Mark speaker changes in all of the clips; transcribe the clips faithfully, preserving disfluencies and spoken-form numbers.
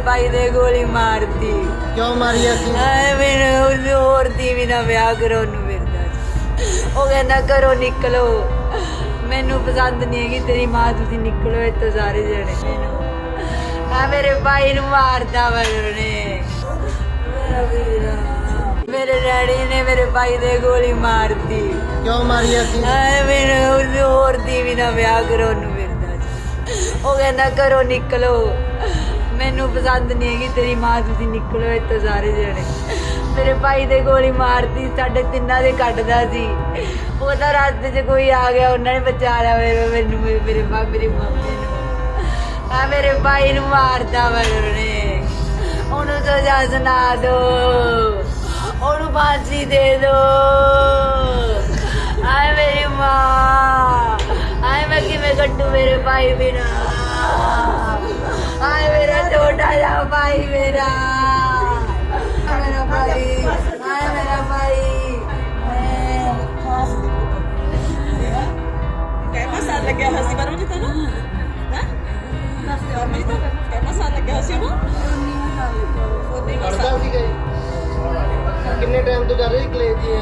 Speaker 1: भाई ने गोली मार दी।
Speaker 2: क्यों मारी है?
Speaker 1: मैंने और दी भी ना ब्याह करो फिरदा वो कहना करो निकलो मैनू पसंद नहीं है कि तेरी मां तुसी निकलो इतो सारे जने मैनू आ मेरे भाई नू मारदा वरने मेरा वीरा मेरे डैडी ने मेरे भाई ने गोली मार दी।
Speaker 2: क्यों मारी है?
Speaker 1: मैंने और दी भी ना ब्याह करो फिरदा वो कहना करो निकलो मैनू पसंद नहीं है कि तेरी मां तुसी निकलो इतो सारे जने मेरे भाई ने गोली मारती साढ़े तिना दे कटदा सी वो तो रास्ते च कोई आ गया उन्होंने बचा लिया मेरे मैनू मेरे मेरी मम्मी नू आ मेरे भाई नू मारदा वरने ओनू सजा सुना दो ओनू फांसी दे दो आए मेरी माँ आए मैं किवें कट्टू मेरे भाई बिना आए मेरा छोटा सा भाई मेरा मेरा भाई आए मेरा भाई
Speaker 3: ਕਿੰਨਾ ਸਾਲ ਲੱਗਿਆ ਹੋਇਆ ਸੀ ਪਰਮ ਜੀ ਤੁਹਾਨੂੰ ਹੈ ਪਰਮ ਜੀ ਤਾਂ ਕਿੰਨਾ ਸਾਲ ਲੱਗਿਆ ਸੀ ਉਹਨੂੰ
Speaker 2: पढ़ता सी गए कितने टाइम तो कर रही कलेज जी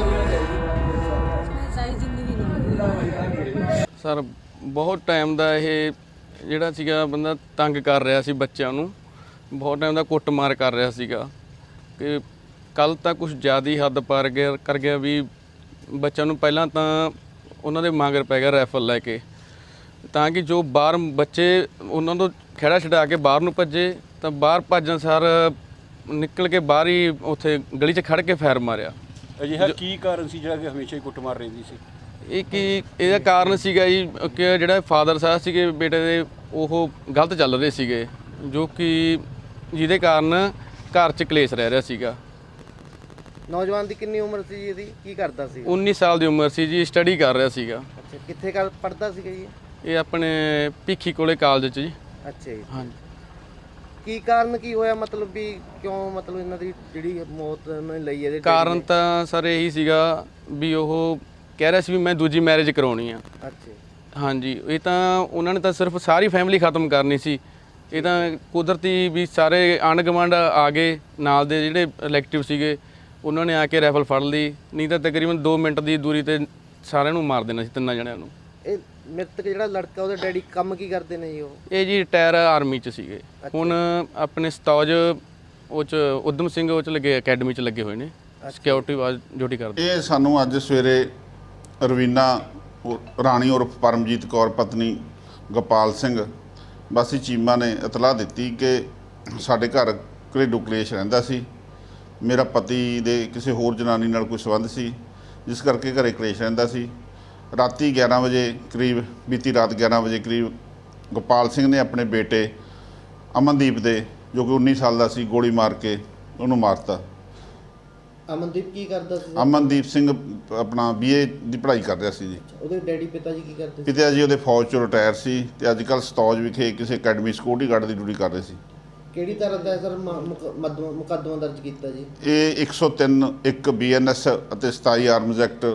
Speaker 3: ਸਾਰੀ ਜ਼ਿੰਦਗੀ
Speaker 4: ਸਰ ਬਹੁਤ ਟਾਈਮ ਦਾ ਇਹ ਜਿਹੜਾ ਸੀਗਾ ਬੰਦਾ ਤੰਗ ਕਰ ਰਿਹਾ ਸੀ ਬੱਚਿਆਂ ਨੂੰ ਬਹੁਤ ਟਾਈਮ ਦਾ ਕੁੱਟਮਾਰ ਕਰ ਰਿਹਾ ਸੀਗਾ ਕਿ ਕੱਲ ਤਾਂ ਕੁਝ ਜ਼ਿਆਦਾ ਹੀ ਹੱਦ ਪਾਰ ਗਿਆ ਕਰ ਗਿਆ ਵੀ ਬੱਚਿਆਂ ਨੂੰ ਪਹਿਲਾਂ ਤਾਂ ਉਹਨਾਂ ਦੇ ਮਗਰ ਪੈ ਗਿਆ ਰਾਈਫਲ ਲੈ ਕੇ ਤਾਂ ਕਿ ਜੋ ਬਾਹਰ ਬੱਚੇ ਉਹਨਾਂ ਤੋਂ ਖੇੜਾ ਛਡਾ ਕੇ ਬਾਹਰ ਨੂੰ ਭੱਜੇ ਤਾਂ ਬਾਹਰ ਭੱਜਣ ਸਾਰ ਨਿਕਲ ਕੇ ਬਾਹਰ ਹੀ ਉੱਥੇ ਗਲੀ 'ਚ ਖੜ ਕੇ ਫਾਇਰ ਮਾਰਿਆ।
Speaker 5: ਅਜਿਹਾ ਕੀ ਕਾਰਨ ਸੀ ਜਿਹੜਾ ਕਿ ਹਮੇਸ਼ਾ ਹੀ ਕੁੱਟਮਾਰ ਰਹਿੰਦੀ ਸੀ?
Speaker 4: ਇਹ ਕੀ ਇਹਦਾ ਕਾਰਨ ਸੀਗਾ ਜੀ ਕਿ ਜਿਹੜਾ ਫਾਦਰ ਸਾਹਿਬ ਸੀਗੇ ਬੇਟੇ ਦੇ ਉਹ ਗਲਤ ਚੱਲ ਰਹੇ ਸੀਗੇ ਜੋ ਕਿ ਜਿਹਦੇ ਕਾਰਨ ਘਰ 'ਚ ਕਲੇਸ਼ ਰਹਿ ਰਿਹਾ ਸੀਗਾ।
Speaker 2: ਨੌਜਵਾਨ ਦੀ ਕਿੰਨੀ ਉਮਰ ਸੀ ਜੀ ਇਹਦੀ ਕੀ ਕਰਦਾ ਸੀ?
Speaker 4: ਉੱਨੀ ਸਾਲ ਦੀ ਉਮਰ ਸੀ ਜੀ ਸਟੱਡੀ ਕਰ ਰਿਹਾ ਸੀਗਾ।
Speaker 2: ਅੱਛਾ ਕਿੱਥੇ ਕਰ ਪੜਦਾ ਸੀਗਾ ਜੀ?
Speaker 4: ਇਹ ਆਪਣੇ ਭਿੱਖੀ ਕੋਲੇ ਕਾਲਜ 'ਚ ਜੀ।
Speaker 2: ਅੱਛਾ ਜੀ
Speaker 4: ਹਾਂਜੀ
Speaker 2: ਕੀ ਕਾਰਨ ਕੀ ਹੋਇਆ ਮਤਲਬ ਵੀ ਕਿਉਂ ਮਤਲਬ ਇਹਨਾਂ ਦੀ ਜਿਹੜੀ ਮੌਤ ਉਹਨਾਂ ਨੇ ਲਈ ਇਹਦੇ
Speaker 4: ਕਾਰਨ ਤਾਂ ਸਰ ਇਹੀ ਸੀਗਾ ਵੀ ਉਹ ਕਹਿ ਰਿਹਾ ਸੀ ਵੀ ਮੈਂ ਦੂਜੀ ਮੈਰਿਜ ਕਰਾਉਣੀ ਆ।
Speaker 2: ਅੱਛਾ
Speaker 4: ਹਾਂਜੀ ਇਹ ਤਾਂ ਉਹਨਾਂ ਨੇ ਤਾਂ ਸਿਰਫ ਸਾਰੀ ਫੈਮਿਲੀ ਖਤਮ ਕਰਨੀ ਸੀ। ਇਹ ਤਾਂ ਕੁਦਰਤੀ ਵੀ ਸਾਰੇ ਆਂਢ ਗੁਆਂਢ ਆ ਗਏ ਨਾਲ ਦੇ ਜਿਹੜੇ ਇਲੈਕਟਿਵ ਸੀਗੇ ਉਹਨਾਂ ਨੇ ਆ ਕੇ ਰਾਈਫਲ ਫੜ ਲਈ ਨਹੀਂ ਤਾਂ ਤਕਰੀਬਨ ਦੋ ਮਿੰਟ ਦੀ ਦੂਰੀ ਤੇ ਸਾਰਿਆਂ ਨੂੰ ਮਾਰ ਦੇਣਾ ਸੀ ਤਿੰਨਾਂ ਜਣਿਆਂ ਨੂੰ।
Speaker 2: ਇਹ ਮ੍ਰਿਤਕ ਜਿਹੜਾ ਲੜਕਾ ਉਹਦੇ ਡੈਡੀ ਕੰਮ ਕੀ ਕਰਦੇ ਨੇ ਜੀ? ਉਹ
Speaker 4: ਇਹ ਜੀ ਰਿਟਾਇਰ ਆਰਮੀ 'ਚ ਸੀਗੇ ਹੁਣ ਆਪਣੇ ਸਤੌਜ ਉਹ 'ਚ ਉਦਮ ਸਿੰਘ ਉਹ 'ਚ ਲੱਗੇ ਅਕੈਡਮੀ 'ਚ ਲੱਗੇ ਹੋਏ ਨੇ ਸਿਕਿਉਰਿਟੀ ਵਾਜ ਡਿਊਟੀ ਕਰਦੇ।
Speaker 6: ਇਹ ਸਾਨੂੰ ਅੱਜ ਸਵੇਰੇ ਰਵੀਨਾ ਰਾਣੀ ਉਰਫ ਪਰਮਜੀਤ ਕੌਰ ਪਤਨੀ ਗੋਪਾਲ ਸਿੰਘ ਵਾਸੀ ਚੀਮਾ ਨੇ ਇਤਲਾਹ ਦਿੱਤੀ ਕਿ ਸਾਡੇ ਘਰ ਘਰੇਲੂ ਕਲੇਸ਼ ਰਹਿੰਦਾ ਸੀ। ਮੇਰਾ ਪਤੀ ਦੇ ਕਿਸੇ ਹੋਰ ਜਨਾਨੀ ਨਾਲ ਕੋਈ ਸੰਬੰਧ ਸੀ ਜਿਸ ਕਰਕੇ ਘਰੇ ਕਲੇਸ਼ ਰਹਿੰਦਾ ਸੀ। ਰਾਤੀ ਗਿਆਰਾਂ ਵਜੇ ਕਰੀਬ ਬੀਤੀ ਰਾਤ ਗਿਆਰਾਂ ਵਜੇ ਕਰੀਬ ਗੋਪਾਲ ਸਿੰਘ ਨੇ ਆਪਣੇ ਬੇਟੇ ਅਮਨਦੀਪ ਦੇ ਜੋ ਕਿ ਉੱਨੀ ਸਾਲ ਦਾ ਸੀ ਗੋਲੀ ਮਾਰ ਕੇ ਉਹਨੂੰ ਮਾਰਤਾ।
Speaker 2: ਅਮਨਦੀਪ ਕੀ ਕਰਦਾ ਸੀ?
Speaker 6: ਅਮਨਦੀਪ ਸਿੰਘ ਆਪਣਾ ਬੀਏ ਦੀ ਪੜ੍ਹਾਈ ਕਰ ਰਿਹਾ ਸੀ ਜੀ।
Speaker 2: ਉਹਦੇ ਡੈਡੀ ਪਿਤਾ ਜੀ ਕੀ ਕਰਦੇ ਸੀ?
Speaker 6: ਪਿਤਾ ਜੀ ਉਹਦੇ ਫੌਜ 'ਚੋਂ ਰਿਟਾਇਰ ਸੀ ਤੇ ਅੱਜ ਕੱਲ੍ਹ ਸਤੌਜ ਵਿਖੇ ਕਿਸੇ ਅਕੈਡਮੀ ਸਿਕਿਉਰਿਟੀ ਗਾਰਡ ਦੀ ਡਿਊਟੀ ਕਰ ਰਹੇ ਸੀ।
Speaker 2: ਕਿਹੜੀ ਤਰ੍ਹਾਂ ਦਾ ਸਰ ਮੁਕੱਦਮਾ ਦਰਜ ਕੀਤਾ ਜੀ?
Speaker 6: ਇਹ ਇੱਕ ਸੌ ਤਿੰਨ ਇੱਕ ਬੀ ਐਨ ਐਸ ਅਤੇ ਸਤਾਈ ਆਰਮਜ਼ ਐਕਟ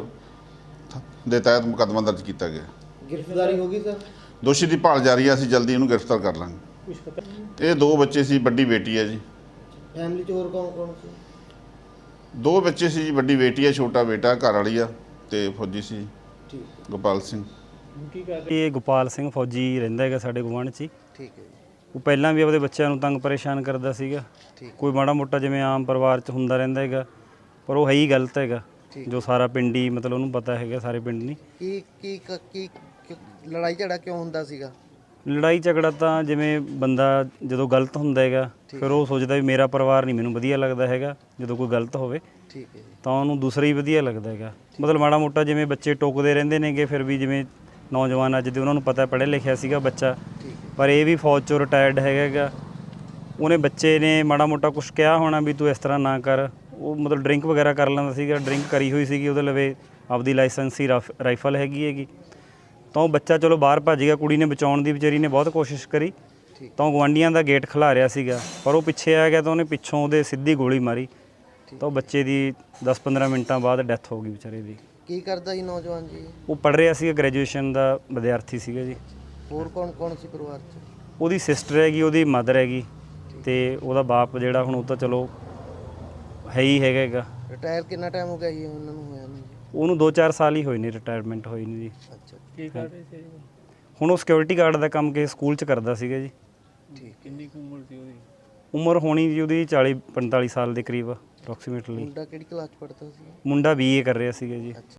Speaker 6: ਦੇ ਤਹਿਤ ਮੁਕੱਦਮਾ ਦਰਜ ਕੀਤਾ ਗਿਆ।
Speaker 2: ਗ੍ਰਿਫਤਾਰੀ ਹੋ ਗਈ ਸਰ?
Speaker 6: ਦੋਸ਼ੀ ਦੀ ਭਾਲ ਜਾਰੀ ਹੈ, ਅਸੀਂ ਜਲਦੀ ਇਹਨੂੰ ਗ੍ਰਿਫਤਾਰ ਕਰ ਲਾਂਗੇ। ਇਹ ਦੋ ਬੱਚੇ ਸੀ, ਵੱਡੀ ਬੇਟੀ ਹੈ ਜੀ।
Speaker 2: ਫੈਮਿਲੀ 'ਚ ਹੋਰ ਕੌਣ ਕੌਣ ਸੀ?
Speaker 6: ਦੋ ਬੱਚੇ ਸੀ ਜੀ, ਵੱਡੀ ਬੇਟੀ ਹੈ, ਛੋਟਾ ਬੇਟਾ, ਘਰ ਵਾਲੀ ਆ ਤੇ ਫੌਜੀ ਸੀ
Speaker 2: ਠੀਕ
Speaker 6: ਗੋਪਾਲ ਸਿੰਘ।
Speaker 7: ਇਹ ਗੋਪਾਲ ਸਿੰਘ ਫੌਜੀ ਰਹਿੰਦਾ ਹੈਗਾ ਸਾਡੇ ਗੁਆਂਢ 'ਚ ਹੀ।
Speaker 2: ਠੀਕ ਹੈ ਜੀ।
Speaker 7: ਉਹ ਪਹਿਲਾਂ ਵੀ ਆਪਦੇ ਬੱਚਿਆਂ ਨੂੰ ਤੰਗ ਪਰੇਸ਼ਾਨ ਕਰਦਾ ਸੀਗਾ। ਕੋਈ ਮਾੜਾ ਮੋਟਾ ਜਿਵੇਂ ਆਮ ਪਰਿਵਾਰ 'ਚ ਹੁੰਦਾ ਰਹਿੰਦਾ ਹੈਗਾ ਪਰ ਉਹ ਹੈ ਹੀ ਗਲਤ ਹੈਗਾ ਜੋ ਸਾਰਾ ਪਿੰਡ ਹੀ ਮਤਲਬ ਉਹਨੂੰ ਪਤਾ ਹੈਗਾ ਸਾਰੇ ਪਿੰਡ ਨਹੀਂ।
Speaker 2: ਕੀ ਕੀ ਕੀ ਲੜਾਈ ਝਗੜਾ ਕਿਉਂ ਹੁੰਦਾ ਸੀਗਾ?
Speaker 7: ਲੜਾਈ ਝਗੜਾ ਤਾਂ ਜਿਵੇਂ ਬੰਦਾ ਜਦੋਂ ਗਲਤ ਹੁੰਦਾ ਹੈਗਾ ਫਿਰ ਉਹ ਸੋਚਦਾ ਵੀ ਮੇਰਾ ਪਰਿਵਾਰ ਨਹੀਂ ਮੈਨੂੰ ਵਧੀਆ ਲੱਗਦਾ ਹੈਗਾ ਜਦੋਂ ਕੋਈ ਗਲਤ ਹੋਵੇ
Speaker 2: ਠੀਕ ਹੈ ਜੀ
Speaker 7: ਤਾਂ ਉਹਨੂੰ ਦੂਸਰਾ ਹੀ ਵਧੀਆ ਲੱਗਦਾ ਹੈਗਾ। ਮਤਲਬ ਮਾੜਾ ਮੋਟਾ ਜਿਵੇਂ ਬੱਚੇ ਟੋਕਦੇ ਰਹਿੰਦੇ ਨੇਗੇ ਫਿਰ ਵੀ ਜਿਵੇਂ ਨੌਜਵਾਨ ਅੱਜ ਦੇ ਉਹਨਾਂ ਨੂੰ ਪਤਾ ਪੜ੍ਹਿਆ ਲਿਖਿਆ ਸੀਗਾ ਬੱਚਾ ਪਰ ਇਹ ਵੀ ਫੌਜ 'ਚੋਂ ਰਿਟਾਇਰਡ ਹੈਗਾ। ਉਹਨੇ ਬੱਚੇ ਨੇ ਮਾੜਾ ਮੋਟਾ ਕੁਛ ਕਿਹਾ ਹੋਣਾ ਵੀ ਤੂੰ ਇਸ ਤਰ੍ਹਾਂ ਨਾ ਕਰ। ਉਹ ਮਤਲਬ ਡਰਿੰਕ ਵਗੈਰਾ ਕਰ ਲੈਂਦਾ ਸੀਗਾ, ਡਰਿੰਕ ਕਰੀ ਹੋਈ ਸੀਗੀ ਉਹਦੇ ਲਵੇ ਆਪਦੀ ਲਾਇਸੈਂਸੀ ਰਾਈਫਲ ਹੈਗੀ ਹੈਗੀ ਤਾਂ ਉਹ ਬੱਚਾ ਚਲੋ ਬਾਹਰ ਭੱਜ ਗਿਆ। ਕੁੜੀ ਨੇ ਬਚਾਉਣ ਦੀ ਵਿਚਾਰੀ ਨੇ ਬਹੁਤ ਕੋਸ਼ਿਸ਼ ਕਰੀ ਤਾਂ ਉਹ ਗੁਆਂਢੀਆਂ ਦਾ ਗੇਟ ਖਿਲਾ ਰਿਹਾ ਸੀਗਾ ਪਰ ਉਹ ਪਿੱਛੇ ਆ ਗਿਆ ਤਾਂ ਉਹਨੇ ਪਿੱਛੋਂ ਉਹਦੇ ਸਿੱਧੀ ਗੋਲੀ ਮਾਰੀ ਤਾਂ ਉਹ ਬੱਚੇ ਦੀ ਦਸ ਪੰਦਰਾਂ ਮਿੰਟਾਂ ਬਾਅਦ ਡੈਥ ਹੋ ਗਈ ਵਿਚਾਰੇ ਦੀ।
Speaker 2: ਕੀ ਕਰਦਾ ਜੀ ਨੌਜਵਾਨ ਜੀ?
Speaker 7: ਉਹ ਪੜ੍ਹ ਰਿਹਾ ਸੀਗਾ, ਗ੍ਰੈਜੂਏਸ਼ਨ ਦਾ ਵਿਦਿਆਰਥੀ ਸੀਗਾ ਜੀ।
Speaker 2: ਹੋਰ ਕੌਣ ਕੌਣ ਸੀ ਪਰਿਵਾਰ 'ਚ?
Speaker 7: ਉਹਦੀ ਸਿਸਟਰ ਹੈਗੀ, ਉਹਦੀ ਮਦਰ ਹੈਗੀ ਤੇ ਉਹਦਾ ਬਾਪ ਜਿਹੜਾ ਹੁਣ ਉਹ ਤਾਂ ਚਲੋ ਹੈ ਹੀ ਹੈਗਾ ਹੈਗਾ।
Speaker 2: ਰਿਟਾਇਰ ਕਿੰਨਾ ਟਾਈਮ ਹੋ ਗਿਆ ਜੀ ਉਹਨਾਂ ਨੂੰ ਹੋਇਆ ਨੂੰ ਜੀ?
Speaker 7: ਉਹਨੂੰ ਦੋ ਚਾਰ ਸਾਲ ਹੀ ਹੋਏ ਨੇ ਰਿਟਾਇਰਮੈਂਟ ਹੋਈ ਨੂੰ ਜੀ।
Speaker 2: ਅੱਛਾ
Speaker 8: ਕੀ ਕਰ ਰਹੇ ਸੀ
Speaker 7: ਹੁਣ ਉਹ ਸਿਕਿਉਰਿਟੀ ਗਾਰਡ ਦਾ ਕੰਮ ਕਿਸੇ ਸਕੂਲ 'ਚ ਕਰਦਾ ਸੀਗਾ ਜੀ।
Speaker 2: ਠੀਕ।
Speaker 8: ਕਿੰਨੀ ਕੁ ਉਮਰ ਸੀ ਉਹਦੀ?
Speaker 7: ਉਮਰ ਹੋਣੀ ਜੀ ਉਹਦੀ ਚਾਲੀ ਪੰਤਾਲੀ ਸਾਲ ਦੇ ਕਰੀਬ ਅਪਰੋਕਸੀਮੇਟਲੀ।
Speaker 2: ਮੁੰਡਾ ਕਿਹੜੀ ਕਲਾਸ ਚ ਪੜ੍ਹਦਾ ਸੀ?
Speaker 7: ਮੁੰਡਾ ਬੀ ਏ ਕਰ ਰਿਹਾ ਸੀਗਾ ਜੀ।